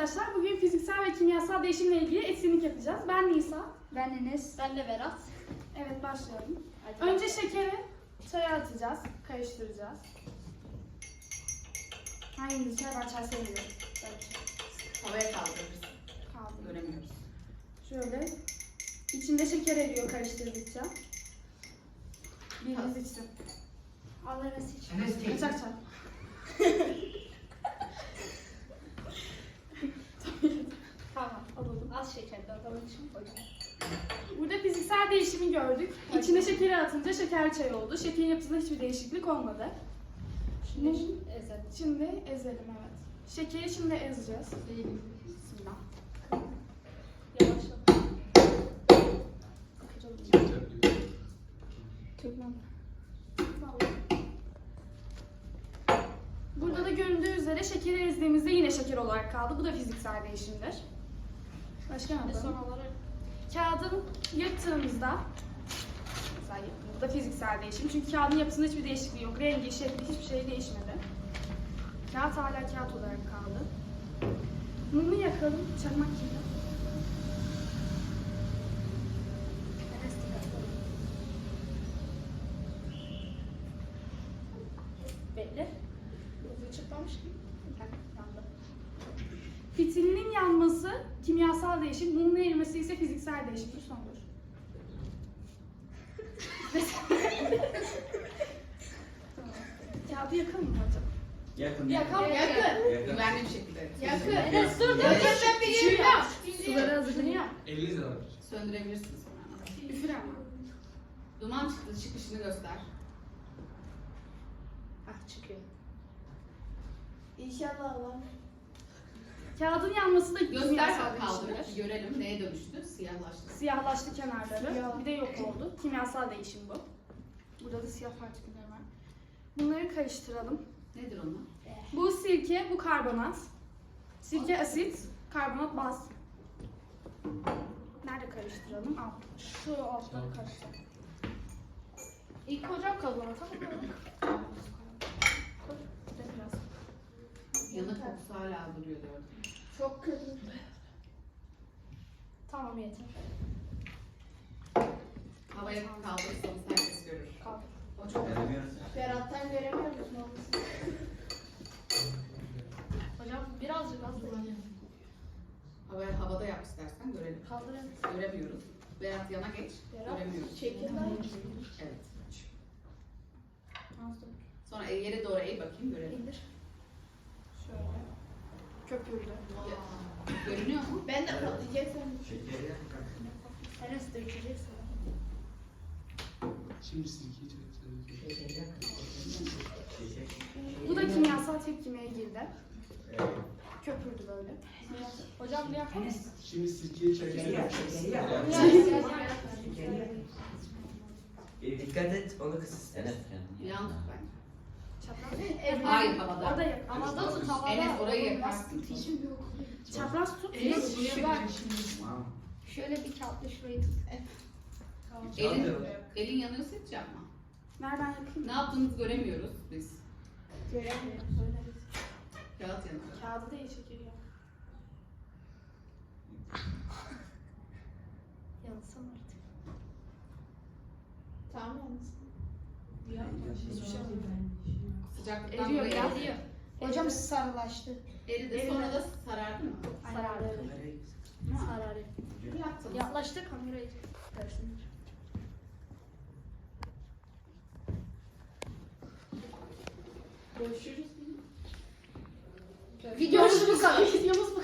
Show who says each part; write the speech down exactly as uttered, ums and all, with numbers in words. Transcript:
Speaker 1: arkadaşlar. Bugün fiziksel ve kimyasal değişimle ilgili etkinlik yapacağız. Ben Nisa.
Speaker 2: Ben Enes.
Speaker 3: Ben de Berat.
Speaker 1: Evet, başlayalım.
Speaker 3: Hadi.
Speaker 1: Önce şekeri çaya atacağız. Karıştıracağız. Hangimiz çay var? Çay sevmiyorum.
Speaker 4: Havaya kaldırırız.
Speaker 1: Kaldı.
Speaker 4: Göremiyoruz.
Speaker 1: Şöyle. İçinde şeker eriyor karıştırdıkça. Biriniz içsin.
Speaker 2: Al Enes iç.
Speaker 1: Kaçak çay.
Speaker 3: Tamam.
Speaker 1: Alalım.
Speaker 3: Az şekerli alalım için koyalım.
Speaker 1: Burada fiziksel değişimi gördük. İçine şekeri atınca şeker çay oldu. Şekerin yapısında hiçbir değişiklik olmadı.
Speaker 3: Şimdi
Speaker 1: Mum.
Speaker 3: ezelim.
Speaker 1: Şimdi ezelim, evet. Şekeri şimdi ezeceğiz. Bismillah.
Speaker 3: Yavaşla.
Speaker 1: Burada da göründüğü üzere şekeri ezdiğimizde yine şeker olarak kaldı. Bu da fiziksel değişimdir. Başka ne
Speaker 3: Şimdi son
Speaker 1: yapalım?
Speaker 3: olarak
Speaker 1: Kağıdın yırttığımızda, mesela bu da fiziksel değişim. Çünkü kağıdın yapısında hiçbir değişikliği yok. Rengi, şekli, hiçbir şey değişmedi. Kağıt hala kağıt olarak kaldı. Mumu yakalım, çakmak gibi.
Speaker 3: bekle. Hızlı çıkmamış ki. Yandı.
Speaker 1: Fitilinin yanması kimyasal değişim, mumun erimesi ise fiziksel değişimdir. Sondur. Tamam. Kağıdı yakalım mı hocam?
Speaker 5: Yakın.
Speaker 3: Yakın.
Speaker 4: Yakın.
Speaker 5: Yakın.
Speaker 4: Güvenli bir şekilde.
Speaker 3: Yakın.
Speaker 4: Söndürebilirsin.
Speaker 3: Enes dur dur.
Speaker 4: Evet.
Speaker 3: Ben biliyorum.
Speaker 1: Suları hazırlanıyor.
Speaker 5: elli lira.
Speaker 4: Söndürebilirsin sonra.
Speaker 1: Üfür ama.
Speaker 4: Duman çıktı. Çıkışını göster.
Speaker 3: Ah çıkıyor.
Speaker 2: İnşallah var.
Speaker 1: Kağıdın yanması da
Speaker 4: Göster
Speaker 1: kimyasal
Speaker 4: kaldırır.
Speaker 1: değişimdir.
Speaker 4: Görelim neye dönüştü. Siyahlaştı.
Speaker 1: Siyahlaştı kenarları.
Speaker 2: Siyah.
Speaker 1: Bir de yok oldu. Kimyasal değişim bu. Burada da siyah partiküller var. Bunları karıştıralım.
Speaker 4: Nedir onlar?
Speaker 1: Bu sirke, bu karbonat. Sirke asit, karbonat baz. Nerede karıştıralım? Al. Şu altta karıştır.
Speaker 3: İlk hocam kazanır. Tamam.
Speaker 1: Koy. Bir de biraz.
Speaker 4: Yanık kokusu hala duruyor gördüm.
Speaker 2: Çok kötü.
Speaker 3: Tamam yeter.
Speaker 4: Havaya kaldırırsanız herkes görür.
Speaker 3: Kaldır.
Speaker 4: O çok güzel.
Speaker 5: Göremiyoruz.
Speaker 2: Berat'tan göremiyor musun?
Speaker 3: Hocam birazcık az da.
Speaker 4: Havaya, havada yap istersen görelim.
Speaker 3: Kaldır evet.
Speaker 4: Göremiyoruz. Berat yana geç.
Speaker 3: Berat,
Speaker 4: Göremiyoruz.
Speaker 3: çekil lan.
Speaker 4: Evet.
Speaker 1: Az da.
Speaker 4: Sonra yere doğru eğ bakayım görelim.
Speaker 1: İndir. Şöyle. Köpürdü.
Speaker 4: Görünüyor mu?
Speaker 2: Ben de patlayacak sandım.
Speaker 5: Şekeri yak.
Speaker 3: Enes dökecek sana.
Speaker 6: Şimdi sirkeyi çekelim.
Speaker 5: Şeker.
Speaker 1: Bu da kimyasal tepkimeye girdi.
Speaker 5: Evet.
Speaker 1: Köpürdü böyle.
Speaker 3: Hocam bir yapar mısın?
Speaker 6: Şimdi sirkeyi çekelim.
Speaker 5: E, dikkat et, onu kıs istersen.
Speaker 4: Yan tut bence.
Speaker 1: Çapraz.
Speaker 4: Hayır havada.
Speaker 1: O da yak.
Speaker 3: Havada tut havada.
Speaker 4: Enes orayı yakarsın.
Speaker 1: Çapraz tut.
Speaker 3: Enes şu bak.
Speaker 5: Tamam.
Speaker 3: Şöyle bir kağıtla şurayı tut.
Speaker 4: Elin, elin yanıyorsa hiç yapma.
Speaker 1: Nereden yakayım?
Speaker 4: Ne yaptığınızı göremiyoruz biz.
Speaker 1: Göremiyorum.
Speaker 4: Kağıt yanıyor.
Speaker 1: Kağıdı da iyi çekiliyor.
Speaker 3: Yansın artık.
Speaker 2: Tamam yalnız.
Speaker 1: Hiçbir şey olmuyor.
Speaker 4: Sıcaklıktan
Speaker 1: Eriyor
Speaker 4: dolayı
Speaker 1: ya.
Speaker 4: eridi.
Speaker 3: Eriyor.
Speaker 2: Hocam sarılaştı.
Speaker 4: Eridi.
Speaker 1: Eridi.
Speaker 4: Sonra da sarardı mı?
Speaker 3: Sarardı.
Speaker 5: Kamerayı
Speaker 3: Sarardı.
Speaker 4: Ne yaptınız?
Speaker 3: Yaklaştı kamerayı. Görsünler.
Speaker 2: Görüşürüz.
Speaker 3: Videomuz bu kadar.
Speaker 1: Videomuz